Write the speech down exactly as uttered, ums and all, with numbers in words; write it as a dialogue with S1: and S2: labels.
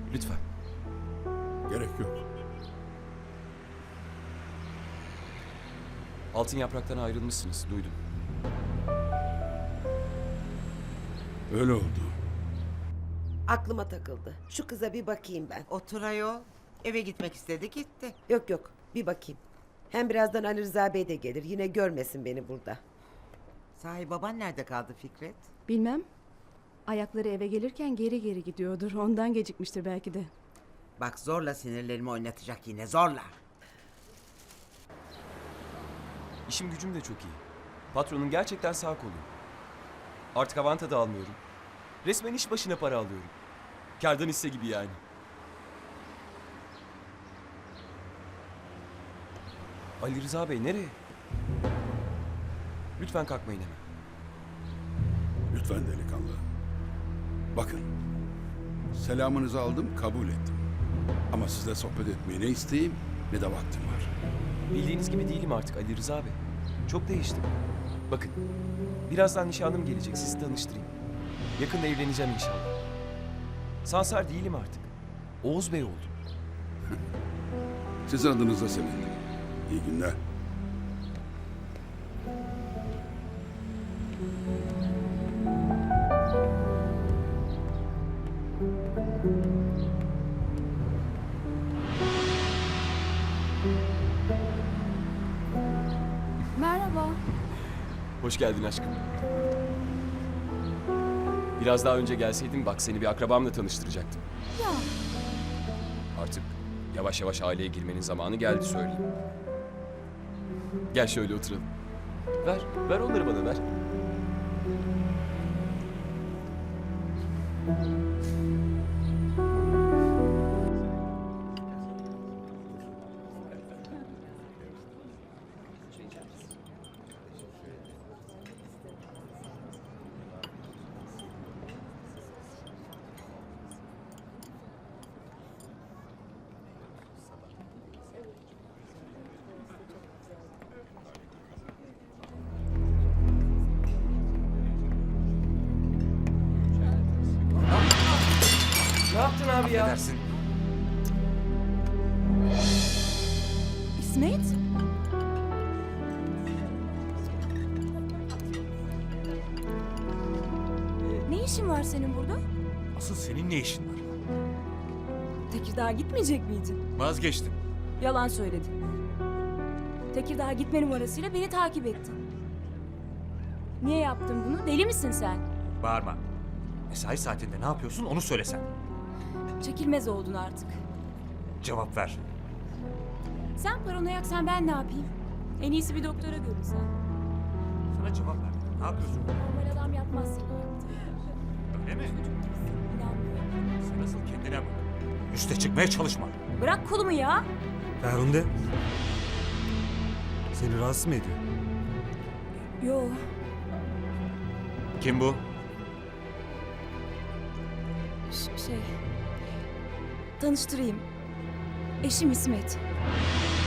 S1: Lütfen.
S2: Gerek yok.
S1: Altın Yaprak'tan ayrılmışsınız, duydum.
S2: Öyle oldu.
S3: Aklıma takıldı. Şu kıza bir bakayım ben.
S4: Otur ayol. Eve gitmek istedi gitti.
S3: Yok yok, bir bakayım. Hem birazdan Ali Rıza Bey de gelir. Yine görmesin beni burada.
S4: Sahi baban nerede kaldı Fikret?
S5: Bilmem. Ayakları eve gelirken geri geri gidiyordur. Ondan gecikmiştir belki de.
S4: Bak zorla sinirlerimi oynatacak yine zorla.
S1: İşim gücüm de çok iyi. Patronun gerçekten sağ kolu. Artık avanta da almıyorum. Resmen iş başına para alıyorum. Kârdan hisse gibi yani. Ali Rıza Bey nereye? Lütfen kalkmayın hemen.
S2: Lütfen delikanlı. Bakın. Selamınızı aldım, kabul ettim. Ama sizle sohbet etmeye ne isteğim ne de vaktim var.
S1: Bildiğiniz gibi değilim artık Ali Rıza Bey. Çok değiştim. Bakın, birazdan nişanlım gelecek, sizi tanıştırayım. Yakında evleneceğim inşallah. Sansar değilim artık. Oğuz Bey oldum.
S2: Sizin adınıza sevindim. İyi günler.
S5: Merhaba.
S1: Hoş geldin aşkım. Biraz daha önce gelseydin bak seni bir akrabamla tanıştıracaktım.
S5: Ya.
S1: Artık yavaş yavaş aileye girmenin zamanı geldi söyleyeyim. Gel şöyle oturalım. Ver, ver onları bana ver. Ne yaptın abi ya?
S6: Affedersin.
S5: İsmet? Ne işin var senin burada?
S6: Asıl senin ne işin var?
S5: Tekirdağ'a gitmeyecek miydin?
S6: Vazgeçtim.
S5: Yalan söyledin. Tekirdağ'a gitme numarasıyla beni takip ettin. Niye yaptın bunu? Deli misin sen?
S6: Bağırma. Mesai saatinde ne yapıyorsun onu söylesen.
S5: Çekilmez oldun artık.
S6: Cevap ver.
S5: Sen paranoyaksan ben ne yapayım? En iyisi bir doktora görünsen.
S6: Sana cevap ver. Ne yapıyorsun?
S5: Normal adam yapmaz senin yaptığını.
S6: Öyle mi?
S5: İnanmıyorum.
S6: Sen asıl kendine bak. Üste çıkmaya çalışma.
S5: Bırak kolumu ya.
S7: Ferhunde. Seni rahatsız mı ediyor?
S5: Yo.
S6: Kim bu?
S5: ş- şey... Tanıştırayım. Eşim İsmet.